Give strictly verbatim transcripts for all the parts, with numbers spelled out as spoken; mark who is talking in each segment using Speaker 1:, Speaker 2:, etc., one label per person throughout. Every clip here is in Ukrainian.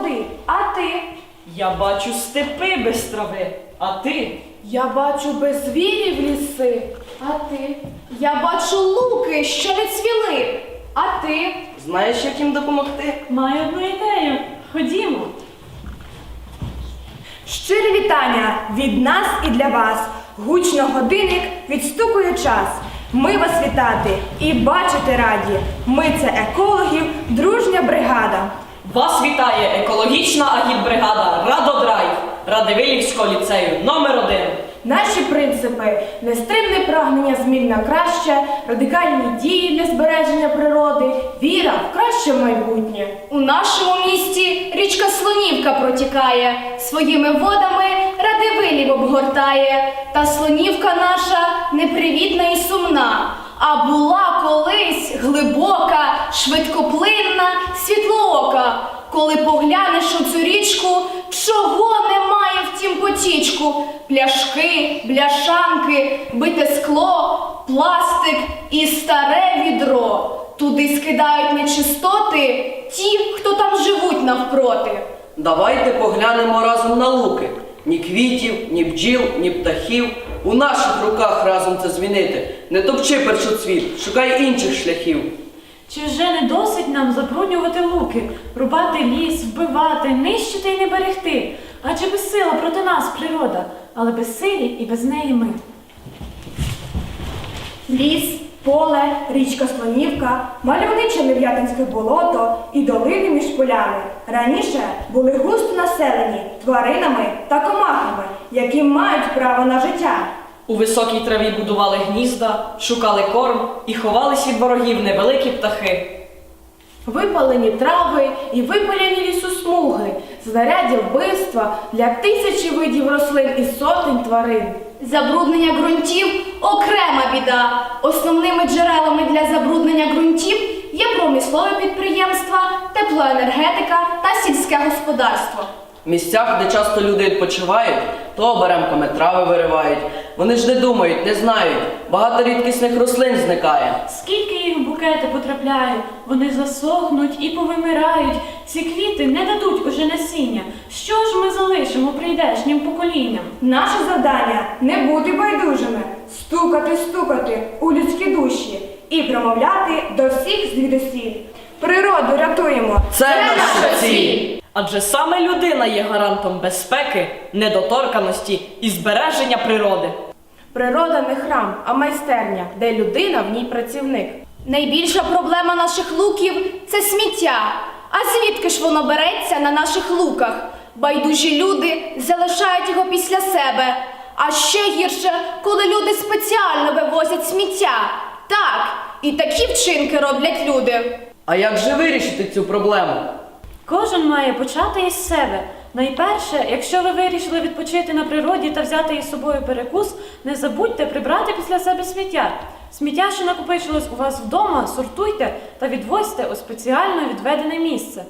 Speaker 1: води. А ти?
Speaker 2: Я бачу степи без трави. А ти?
Speaker 1: Я бачу без звірів ліси. А ти? Я бачу луки, що не цвіли. А ти?
Speaker 3: Знаєш, як їм допомогти?
Speaker 2: Маю одну ідею. Ходімо.
Speaker 4: Щирі вітання від нас і для вас. Гучно годинник відстукує час. Ми вас вітати і бачити раді. Ми це екологів, дружня бригада.
Speaker 2: Вас вітає екологічна агітбригада «Радодрайв» Радивилівського ліцею номер один.
Speaker 4: Наші принципи – нестримне прагнення змін на краще, радикальні дії для збереження природи, віра в краще майбутнє.
Speaker 1: У нашому місті річка Слонівка протікає, своїми водами Радивилів обгортає. Та Слонівка наша непривітна і сумна, а була колись глибока, швидкоплинна, світлоока. Коли поглянеш у цю річку, чого немає в тім потічку? Пляшки, бляшанки, бите скло, пластик і старе відро. Туди скидають нечистоти ті, хто там живуть навпроти.
Speaker 3: Давайте поглянемо разом на луки. Ні квітів, ні бджіл, ні птахів. У наших руках разом це змінити. Не топчи першоцвіт, шукай інших шляхів.
Speaker 2: Чи вже не досить нам забруднювати луки, рубати ліс, вбивати, нищити і не берегти? Адже безсила проти нас природа, але безсилі і без неї ми.
Speaker 4: Ліс, поле, річка Слонівка, мальовниче Нев'ятинське болото і долини між полями раніше були густо населені тваринами та комахами, які мають право на життя.
Speaker 2: У високій траві будували гнізда, шукали корм і ховались від ворогів невеликі птахи.
Speaker 4: Випалені трави і випалені лісосмуги, знаряддя вбивства для тисячі видів рослин і сотень тварин.
Speaker 1: Забруднення ґрунтів – окрема біда. Основними джерелами для забруднення ґрунтів є промислові підприємства, теплоенергетика та сільське господарство.
Speaker 3: В місцях, де часто люди відпочивають, то оберемками трави виривають. Вони ж не думають, не знають. Багато рідкісних рослин зникає.
Speaker 2: Скільки їх в букети потрапляє, вони засохнуть і повимирають. Ці квіти не дадуть уже насіння. Що ж ми залишимо прийдешнім поколінням?
Speaker 4: Наше завдання – не бути байдужими, стукати, стукати у людські душі і промовляти до всіх звідусіль. Природу рятуємо.
Speaker 3: Це наша ціль!
Speaker 2: Адже саме людина є гарантом безпеки, недоторканості і збереження природи.
Speaker 4: Природа не храм, а майстерня, де людина в ній працівник.
Speaker 1: Найбільша проблема наших луків – це сміття. А звідки ж воно береться на наших луках? Байдужі люди залишають його після себе. А ще гірше, коли люди спеціально вивозять сміття. Так, і такі вчинки роблять люди.
Speaker 3: А як же вирішити цю проблему?
Speaker 2: Кожен має почати із себе. Найперше, якщо ви вирішили відпочити на природі та взяти із собою перекус, не забудьте прибрати після себе сміття. Сміття, що накопичилось у вас вдома, сортуйте та відвозьте у спеціально відведене місце.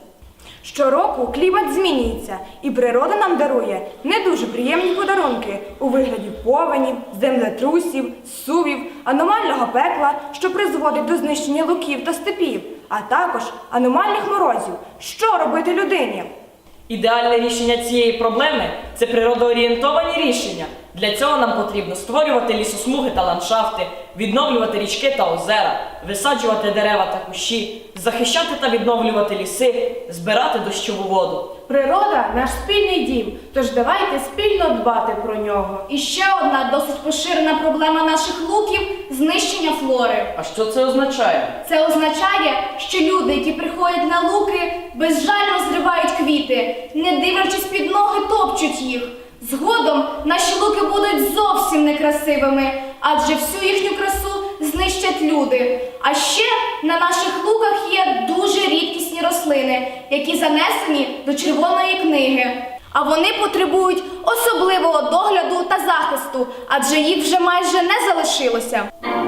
Speaker 4: Щороку клімат змінюється, і природа нам дарує не дуже приємні подарунки у вигляді повенів, землетрусів, сувів, аномального пекла, що призводить до знищення луків та степів, а також аномальних морозів. Що робити людині?
Speaker 2: Ідеальне рішення цієї проблеми – це природоорієнтовані рішення. Для цього нам потрібно створювати лісосмуги та ландшафти, відновлювати річки та озера, висаджувати дерева та кущі, захищати та відновлювати ліси, збирати дощову воду.
Speaker 4: Природа – наш спільний дім, тож давайте спільно дбати про нього.
Speaker 1: І ще одна досить поширена проблема наших луків – знищення флори.
Speaker 3: А що це означає?
Speaker 1: Це означає, що люди, які приходять на луки, безжально зривають квіти, не дивлячись під ноги, топчуть їх. Згодом наші луки будуть зовсім некрасивими, адже всю їхню красу знищать люди. А ще на наших луках є дуже рідкісні рослини, які занесені до Червоної книги. А вони потребують особливого догляду та захисту, адже їх вже майже не залишилося.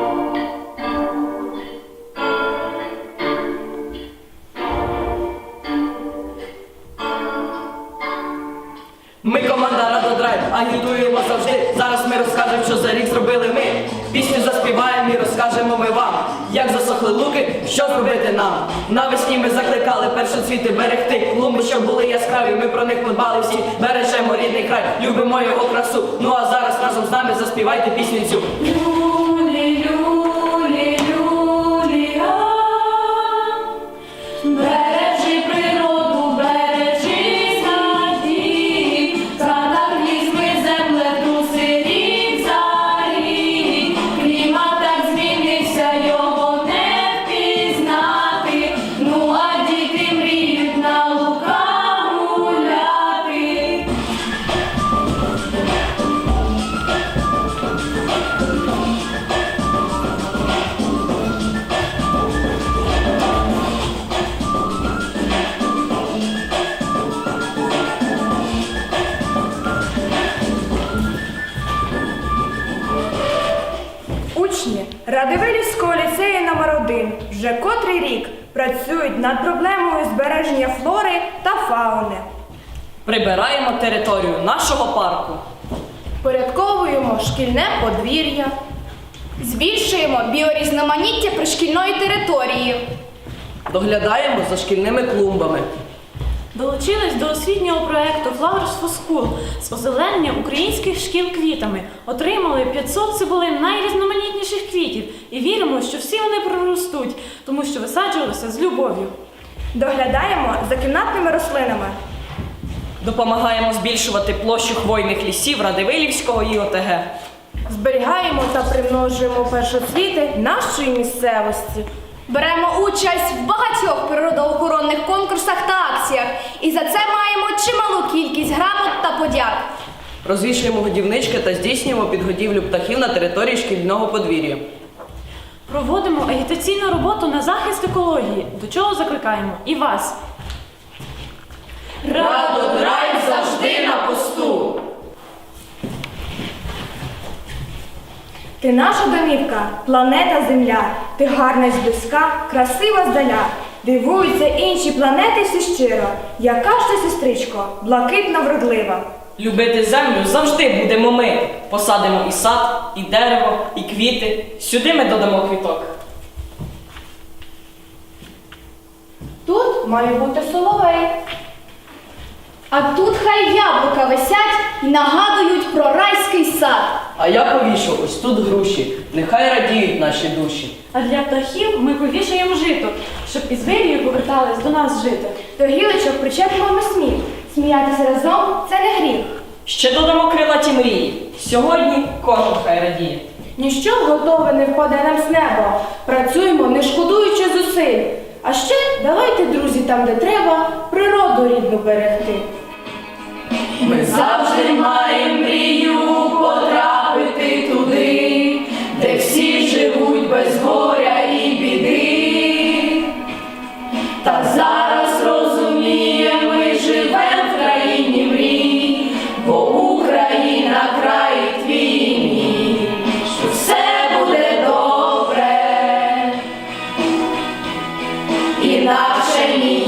Speaker 3: Ми команда Радодрайв, агітуємо завжди. Зараз ми розкажемо, що за рік зробили ми. Пісню заспіваємо і розкажемо ми вам, як засохли луки, що зробити нам? Навесні ми закликали першоцвіти берегти, клумби, щоб були яскраві, ми про них подбали всі. Бережемо рідний край, любимо його красу. Ну а зараз разом з нами заспівайте пісню цю.
Speaker 1: Люлі, люлі, люлі, а. Бережи природу, бережи садів, катаклізми, землетруси, рік за рік. Клімат так змінився, його не впізнати. Ну а діти мріють на луках гуляти.
Speaker 4: Учні Радивилівського ліцею номер один вже котрий рік працюють над проблемою збереження флори та фауни.
Speaker 2: Прибираємо територію нашого парку.
Speaker 1: Порядковуємо шкільне подвір'я. Збільшуємо біорізноманіття пришкільної території.
Speaker 3: Доглядаємо за шкільними клумбами.
Speaker 5: Долучились до освітнього проєкту Flowers for School з озеленення українських шкіл квітами. Отримали п'ятсот цибулин найрізноманітніших квітів і віримо, що всі вони проростуть, тому що висаджувалися з любов'ю.
Speaker 4: Доглядаємо за кімнатними рослинами.
Speaker 2: Допомагаємо збільшувати площу хвойних лісів Радивилівського і ОТГ.
Speaker 4: Зберігаємо та примножуємо першоцвіти нашої місцевості.
Speaker 1: Беремо участь в багатьох природоохоронних конкурсах та акціях. І за це маємо чималу кількість грамот та подяк.
Speaker 3: Розвішуємо годівнички та здійснюємо підгодівлю птахів на території шкільного подвір'я.
Speaker 5: Проводимо агітаційну роботу на захист екології, до чого закликаємо і вас.
Speaker 3: Радодрайв завжди на посту!
Speaker 4: Ти наша домівка, планета Земля. Ти гарна зблизька, красива здаля. Дивуються інші планети всі щиро. Яка ж ти, сестричко, блакитна вродлива.
Speaker 2: Любити землю завжди будемо ми. Посадимо і сад, і дерево, і квіти. Сюди ми додамо квіток.
Speaker 1: Тут має бути соловей. А тут хай яблука висять і нагадують про райський сад.
Speaker 3: А я повішу ось тут груші, нехай радіють наші душі.
Speaker 5: А для птахів ми повішаємо жито, щоб із вирію повертались до нас жити.
Speaker 4: До гілочок причепимо ми сміх. Сміятися разом – це не гріх.
Speaker 2: Ще додамо крилаті мрії. Сьогодні кожен хай радіє.
Speaker 4: Ніщо готове не впаде нам з неба. Працюємо, не шкодуючи зусиль. А ще давайте, друзі, там, де треба, природу рідну берегти.
Speaker 1: Ми завжди маємо мрію потрапити туди, де всі живуть без горя і біди. Та зараз розуміємо, ми живем в країні мрій, бо Україна край твій мій, що все буде добре, інакше ні.